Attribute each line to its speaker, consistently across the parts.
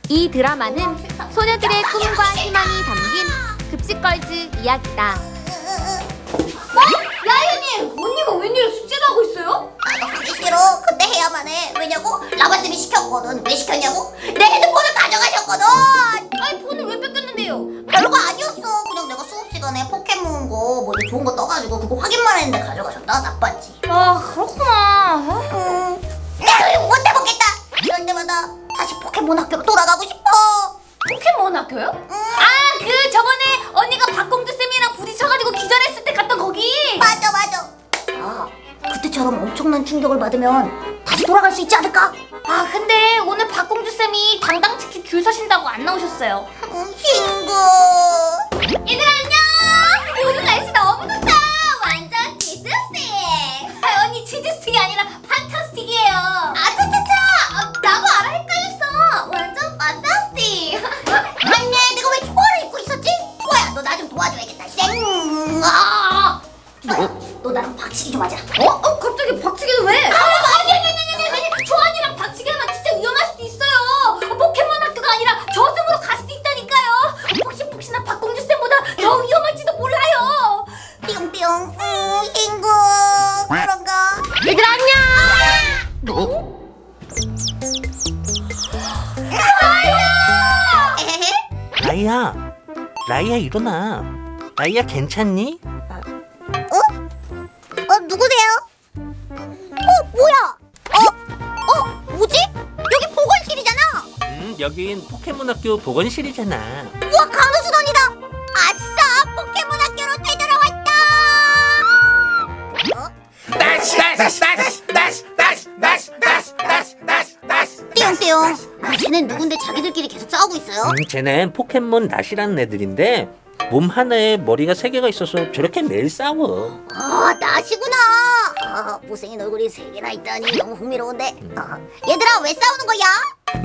Speaker 1: 이 드라마는 소녀들의 꿈과 희망이 담긴 급식걸즈 이야기다.
Speaker 2: 라이언님! 언니가 웬일로 숙제도 하고 있어요?
Speaker 3: 나도 하기 싫어. 근데 해야만 해. 왜냐고? 라바쌤이 시켰거든. 왜 시켰냐고? 내 핸드폰을 가져가셨거든.
Speaker 2: 아니 폰을 왜 뺏겼는데요?
Speaker 3: 별거 아니었어. 그냥 내가 수업 시간에 포켓몬 거 뭐 좋은 거 떠가지고 그거 확인만 했는데 가져가셨다. 나빴지.
Speaker 2: 아 그렇구나.
Speaker 3: 내가 이거 못 해먹겠다. 이럴 때마다 다시 포켓몬 학교로 돌아가고 싶어.
Speaker 2: 포켓몬 학교요? 아 그 저번에 언니가 박공주 쌤이랑 부딪혀가지고 기절했을 때 갔던 거기.
Speaker 3: 맞아. 아, 그때처럼 엄청난 충격을 받으면 다시 돌아갈 수 있지 않을까?
Speaker 2: 아 근데 오늘 박공주 쌤이 당당치키 줄 서신다고 안 나오셨어요.
Speaker 3: 친구.
Speaker 2: 얘들아 안녕. 오늘 날씨 너무 좋다. 완전 지스틱. 아, 언니 지스틱이 아니라 판타스틱이에요. 아차차차. 나도 알아 헷갈렸어. 완전 판타스틱.
Speaker 3: 맞네. 내가 왜 초아를 입고 있었지? 초아야, 너 나 좀 도와줘야겠다. 쌩. 아. 초아야, 너 나랑 박치기 좀 하자.
Speaker 2: 갑자기 박치기는 왜? 아니. 조안이랑 박치기 하면 진짜 위험할 수도 있어요. 포켓몬 학교가 아니라 저승으로 갈 수도 있다니까요. 폭신폭신한 박공주 쌤보다 더 위험할지도 몰라요.
Speaker 3: 뿅뿅. 친구. 그런가?
Speaker 2: 얘들아 안녕.
Speaker 4: 라이야, 라이야 일어나. 라이야 괜찮니?
Speaker 3: 누구세요? 뭐야? 뭐지? 여기 보건실이잖아.
Speaker 4: 여긴 포켓몬 학교 보건실이잖아.
Speaker 3: 우와, 강우수 언니다. 아싸, 포켓몬 학교로 되돌아왔다. 띠용띠용. 쟤는 누군데 자기들끼리 계속 싸우고 있어요?
Speaker 4: 쟤는 포켓몬 낫이라는 애들인데 몸 하나에 머리가 3개가 있어서 저렇게 매일 싸워.
Speaker 3: 나시구나. 못생긴 얼굴이 3개나 있다니 너무 흥미로운데. 얘들아, 왜 싸우는 거야?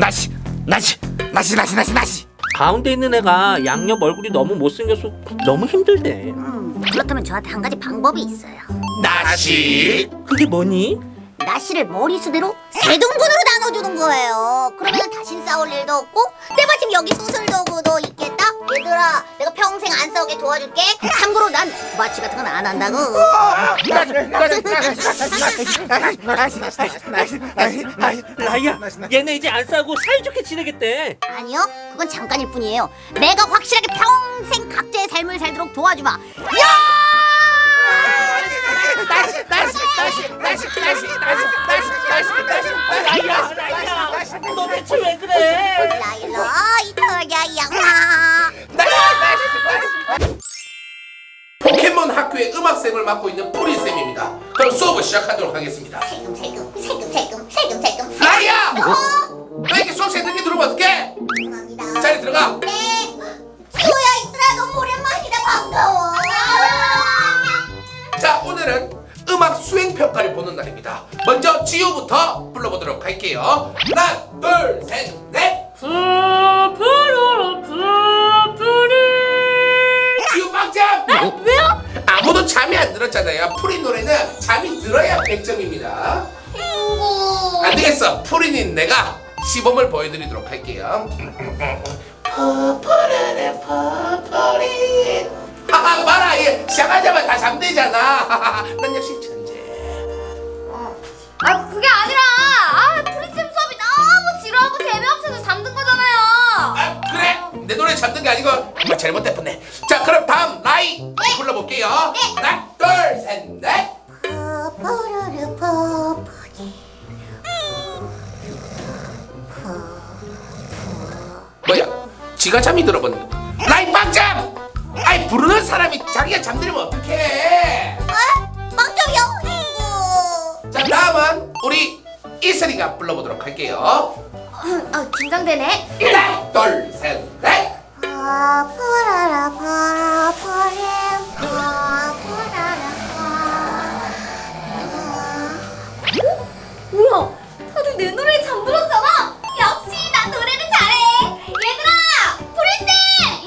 Speaker 5: 나시.
Speaker 4: 가운데 있는 애가 양옆 얼굴이 너무 못생겨서 너무 힘들대.
Speaker 3: 그렇다면 저한테 한 가지 방법이 있어요.
Speaker 5: 나시.
Speaker 4: 그게 뭐니?
Speaker 3: 나시를 머리수대로 3등분으로 나눠주는 거예요. 그러면 다신 싸울 일도 없고 때마침 여기 수술도구도 있겠다. 얘들아, 내가 평생 안 싸우게 도와줄게. 참고로 난 마취 같은 건 안 한다고.
Speaker 4: 라이야, 얘네 이제 안 싸우고 사이좋게 지내겠대.
Speaker 3: 아니요, 그건 잠깐일 뿐이에요. 내가 확실하게 평생 각자의 삶을 살도록 도와주마.
Speaker 4: 라이야, 너 대체 왜 그래?
Speaker 3: 라일로 이터야 양아.
Speaker 5: 포켓몬 학교의 음악쌤을 맡고 있는 프린쌤입니다. 그럼 수업을 시작하도록 하겠습니다.
Speaker 3: 세금.
Speaker 5: 라이야! 너 이렇게 수업 시간 늦게 들어오면 어떡해?
Speaker 3: 죄송합니다.
Speaker 5: 자리 들어가.
Speaker 3: 네. 지호야, 이슬아, 너무 오랜만이다. 반가워.
Speaker 5: 자, 오늘은 음악 수행 평가를 보는 날입니다. 먼저 지우부터 불러보도록 할게요. 하나, 둘, 셋, 넷. 지우 빵점!
Speaker 2: 왜요?
Speaker 5: 아무도 잠이 안 들었잖아요. 프린 노래는 잠이 들어야 100점입니다. 안 되겠어. 프린인 내가 시범을 보여드리도록 할게요. 퍼프린. 하하, 봐라. 얘 시작하자마자 다 잠들잖아. 난 역시 천재.
Speaker 2: 아 그게 아니라 프린쌤 수업이 너무 지루하고 재미없어서 잠든 거잖아요.
Speaker 5: 아, 그래? 내 노래 잠든 게 아니고 정말 잘못했네. 자, 그럼 다음 라이 불러볼게요. 하나, 둘, 셋, 넷. 뭐야? 지가 잠이 들어버린 거. 라이 빵점! 아이, 부르는 사람이 자기가 잠들면 어떡해?
Speaker 3: 빵점이요, 친구.
Speaker 5: 자, 다음은 우리 이슬이가 불러보도록 할게요.
Speaker 2: 긴장되네.
Speaker 5: 하나, 둘, 셋, 넷.
Speaker 2: 뭐야? 다들 내 노래에 잠들었잖아. 역시 난 노래를 잘해. 얘들아, 프린쌤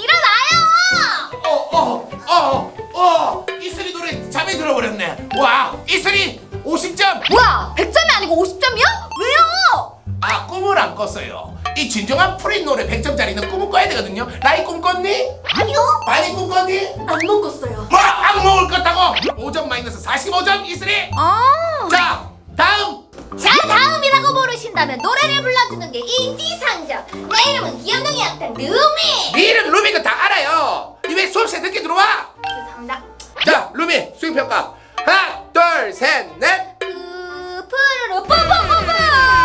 Speaker 2: 일어나요.
Speaker 5: 이슬이 노래 잠이 들어버렸네. 와, 이슬이 50점.
Speaker 2: 뭐야? 100점이 아니고 50점이야? 왜요?
Speaker 5: 아, 꿈을 안 꿨어요. 이 진정한 유명한 프린 노래 100점짜리는 꿈을 꿔야 되거든요. 라이 꿈 꿨니?
Speaker 3: 아니요.
Speaker 5: 많이 꿈 꿨니?
Speaker 2: 안 먹었어요.
Speaker 5: 뭐? 악몽을 꿨다고? 5점 마이너스 45점 이슬이. 자 다음.
Speaker 2: 자, 다음이라고 모르신다면 노래를 불러주는 게 인지상정. 내 이름은 귀염둥이 악당 루미.
Speaker 5: 네 이름 루미가 다 알아요. 니 왜 수업시에 늦게 들어와?
Speaker 2: 죄송합니다.
Speaker 5: 자 루미 수행평가 하나 둘 셋 넷.
Speaker 2: 푸르르 뽀뽀뽀뽀.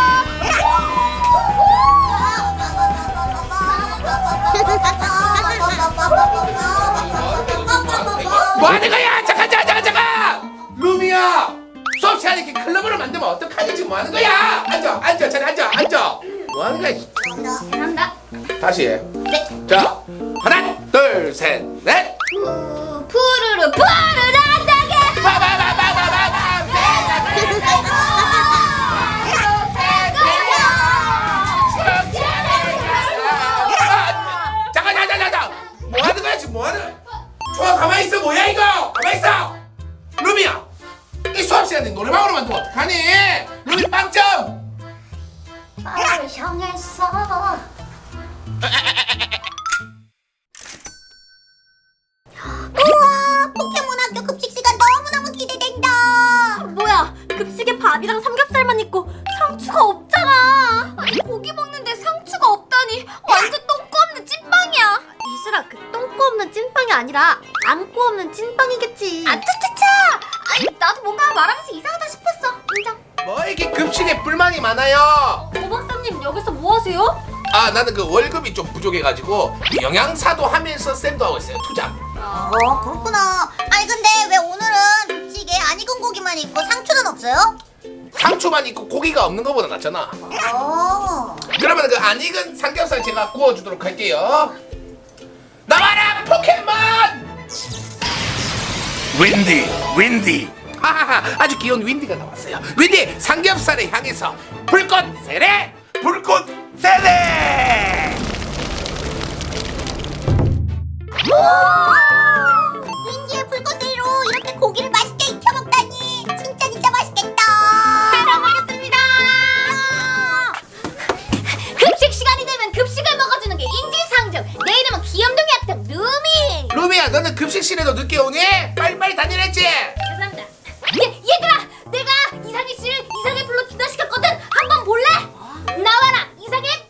Speaker 5: 뭐 하는 거야? 잠깐 루미야 수업 시간에 이렇게 클럽으로 만들면 어떡하니? 지금 뭐 하는 거야? 앉아 자리 앉아 뭐 하는 거야?
Speaker 2: 죄송합니다.
Speaker 5: 다시 해. 자 하나 둘 셋 넷.
Speaker 2: 푸르르 푸르르한다게.
Speaker 5: 바바바바바바바. 잠깐 뭐 하는 거야 지금 뭐 하는 거야? 좋아 가만히 있어. 뭐야 이거? 가만히 있어. 루미야 이 수업 시간에 노래방으로 만들면 어떡하니? 루미 빵점.
Speaker 3: 나를 향했어. 우와, 포켓몬학교 급식 시간 너무너무 기대된다.
Speaker 2: 뭐야? 급식에 밥이랑 삼겹살만 있고 상추가 없잖아. 아니 고기 먹는데 상추가 없다니 완전 똥꼬 없는 찐빵이야.
Speaker 1: 이슬아, 그 똥꼬 없는 찐빵이 아니라 안고 없는 찐빵이겠지.
Speaker 2: 아 차차차. 아니 나도 뭔가 말하면서 이상하다 싶었어. 인정.
Speaker 5: 뭐 이렇게 급식에 불만이 많아요?
Speaker 2: 오 박사님 여기서 뭐 하세요?
Speaker 5: 아 나는 그 월급이 좀 부족해가지고 영양사도 하면서 쌤도 하고 있어요. 투잡.
Speaker 3: 그렇구나. 아니 근데 왜 오늘은 급식에 안 익은 고기만 있고 상추는 없어요?
Speaker 5: 상추만 있고 고기가 없는 것보다 낫잖아. 그러면 그 안 익은 삼겹살 제가 구워주도록 할게요. 나와라 포켓몬! 윈디 하하하 아주 귀여운 윈디가 나왔어요. 윈디 삼겹살을 향해서 불꽃 세례
Speaker 3: 윈디의 불꽃으로 이렇게 고기를 맛있게 익혀 먹다니 진짜 맛있겠다.
Speaker 2: 잘 먹겠습니다. 급식 시간이 되면 급식을 먹어주는 게 인지상정. 내 이름은 귀염둥이 악당 루미.
Speaker 5: 루미야 너는 급식실에도 늦게 오니? 빨리빨리 다니랬지?
Speaker 2: 죄송합니다. 얘들아, 내가 이상해 씨를 이상해 불러 기다시켰거든. 한번 볼래? 나와라 이상해.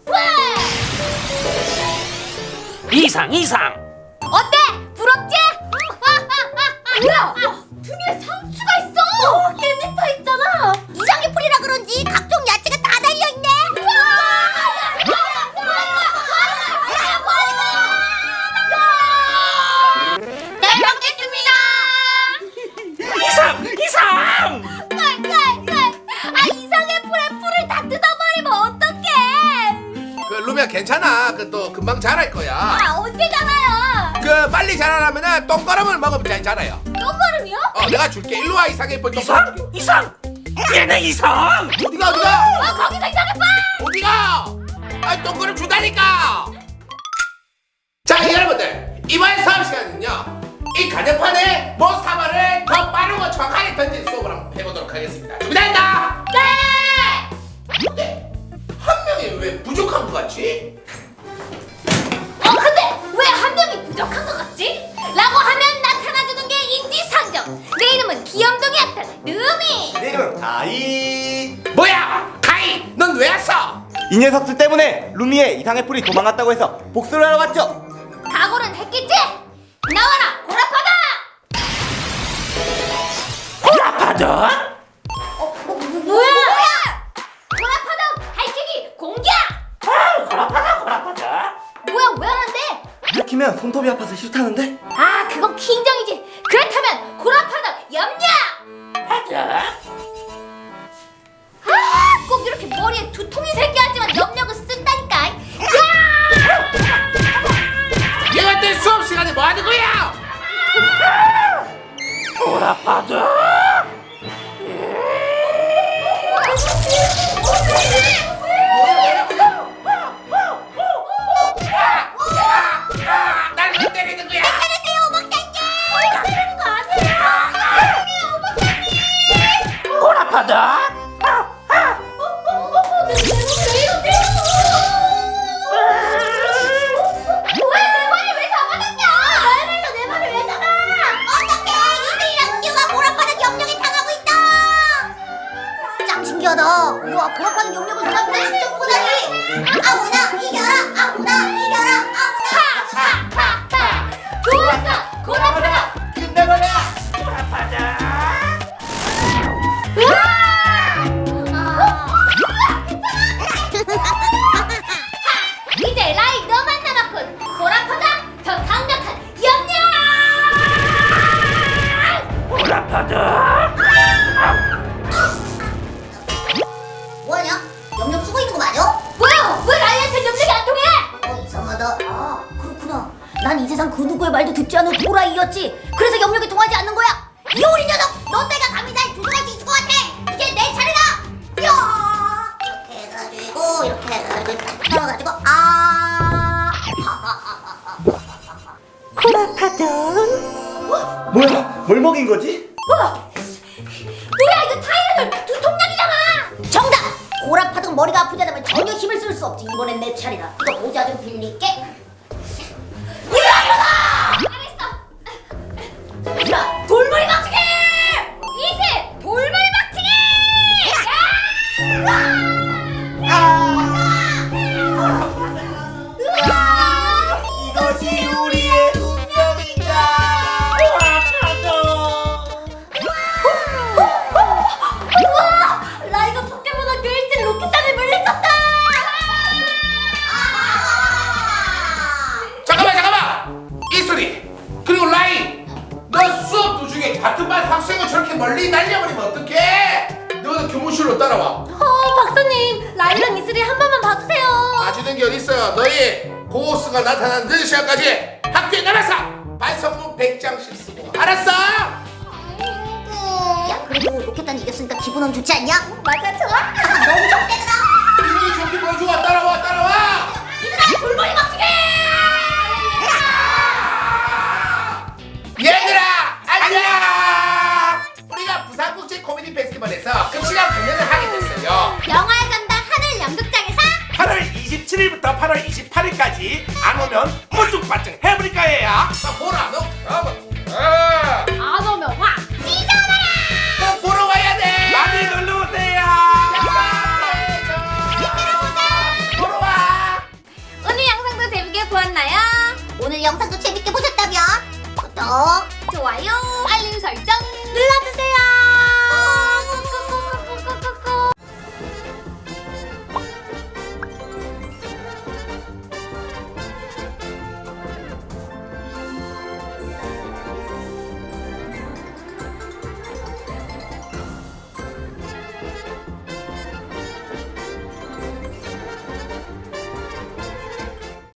Speaker 4: 이상.
Speaker 2: 어때? 부럽지? 뭐야? 등에 상추가 있어. 깻잎 있잖아.
Speaker 3: 이상의 풀이라 그런지 각종 야채가 다 달려있네.
Speaker 2: 잘 먹겠습니다.
Speaker 4: 이상.
Speaker 2: 아 이상해 풀에 풀을 다 뜯어버리면 어떡해?
Speaker 5: 그 루미야 괜찮아. 그 또 금방 자랄 거야.
Speaker 2: 아 언제잖아요.
Speaker 5: 그 빨리 자라려면은 똥거름을 먹으면 잘 자라요.
Speaker 2: 똥걸음이요?
Speaker 5: 내가 줄게. 일로 와 이상해 볼
Speaker 4: 이상. 얘네 이상.
Speaker 5: 어디가?
Speaker 2: 아 거기서 이상해 봐.
Speaker 5: 어디가? 아 똥거름 주다니까. 자 여러분들 이번 수업 시간은요 이 가정판에 모사마를 더 빠르고 정확하게 던진 수업을 한번 해보도록 하겠습니다. 준비됐나?
Speaker 2: 네.
Speaker 5: 근데 한 명이 왜 부족한 것 같지?
Speaker 2: 근데 왜 한 명이 부족한 것 같지? 라고 하면 나타나주는 게 인지상정. 내 이름은 귀염둥이 악당 루미.
Speaker 6: 내 이름은 가이.
Speaker 5: 뭐야 가이 넌 왜 왔어?
Speaker 6: 이 녀석들 때문에 루미의 이상의 풀이 도망갔다고 해서 복수를 하러 왔죠.
Speaker 2: 각오는 했겠지? 나와라 고라파다.
Speaker 4: 고라파다?
Speaker 2: 뭐야? 고라파다 발키기 공격.
Speaker 4: 고라파다.
Speaker 2: 뭐야 왜 하는데?
Speaker 6: 이렇게면 손톱이 아파서 싫다는데?
Speaker 2: 아 그건 킹정이지. 그렇다면 고라파다 염려.
Speaker 4: 하자.
Speaker 2: 꼭 이렇게 머리에 두통이 생겨야지만 염력을 쓴다니까.
Speaker 5: 이것들 수업 시간에 뭐 하는 거야?
Speaker 4: 고라파다.
Speaker 5: 날 왜 때리는 거야?
Speaker 4: 고라파다.
Speaker 3: 아무나 이겨라 아무나 이겨라 아무나
Speaker 2: 좋았어 고라파다.
Speaker 5: 끝내버려.
Speaker 2: 이제 라이 너만 남았군. 고라파다 더 강력한 염려.
Speaker 3: 뭐하냐? 영역 쓰고 있는 거 맞아?
Speaker 2: 뭐야? 왜 라이한테 염력이 안 통해?
Speaker 3: 이상하다. 아 그렇구나. 난 이 세상 그 누구의 말도 듣지 않은 도라이였지. 그래서 영역이 통하지 않는 거야. 이 어린 녀석! 너 때가 감히 날 조종할 수 있을 것 같아. 이제 내 차례다. 야! 이렇게 해가지고 이렇게 해가지고 딱 털어가지고
Speaker 6: 뭐야? 뭘 먹인 거지?
Speaker 2: 뭐야 이거 타이레놀 두 통약이잖아.
Speaker 3: 정답! 고라파등 머리가 아프지 않으면 전혀 힘을 쓸 수 없지. 이번엔 내 차례다. 이거 모자 좀 빌릴게.
Speaker 2: 알았어. 자 돌머리 박치기. 이제 돌머리 박치기.
Speaker 6: 이것이 우리의 운명인가?
Speaker 2: 우와 라이가 포켓몬 학교 1등 로켓단을 물리쳤다.
Speaker 5: 잠깐만. 이소리. 그리고 라이. 너 수업 도중에 같은 반 학생을 저렇게 멀리 날려버리면 어떡해? 너는 교무실로 따라와.
Speaker 2: 박사님 라이랑 이슬이 한 번만 봐주세요.
Speaker 5: 봐주는 게 어딨어. 너희 고호수가 나타나는 늦은 시간까지 학교에 남아서 반성문 100장씩 쓰고. 알았어?
Speaker 3: 야 그래도 로켓단이 이겼으니까 기분은 좋지 않냐?
Speaker 2: 맞아 좋아.
Speaker 3: 너무 좋대더라.
Speaker 5: 이분이 좋게 보여주고 따라와.
Speaker 2: 얘들아 돌머리 박치기.
Speaker 5: 얘들아 안녕. 우리가 부산국제 코미디 페스티벌에서 급식왕 공연을 하게 됐어요.
Speaker 2: 영화에 간다 하늘 연극장에서
Speaker 7: 8월 27일부터 8월 28일까지 안 오면 뽀쭉빠쭉 해버릴 거예요.
Speaker 5: 나 보라 너.
Speaker 2: 안 오면 확 찢어봐라.
Speaker 5: 꼭 보러 와야 돼.
Speaker 7: 많이 놀러 오세요.
Speaker 5: 보러 와.
Speaker 1: 오늘 영상도 재밌게 보았나요?
Speaker 3: 오늘 영상도 재밌게 보셨다면 구독,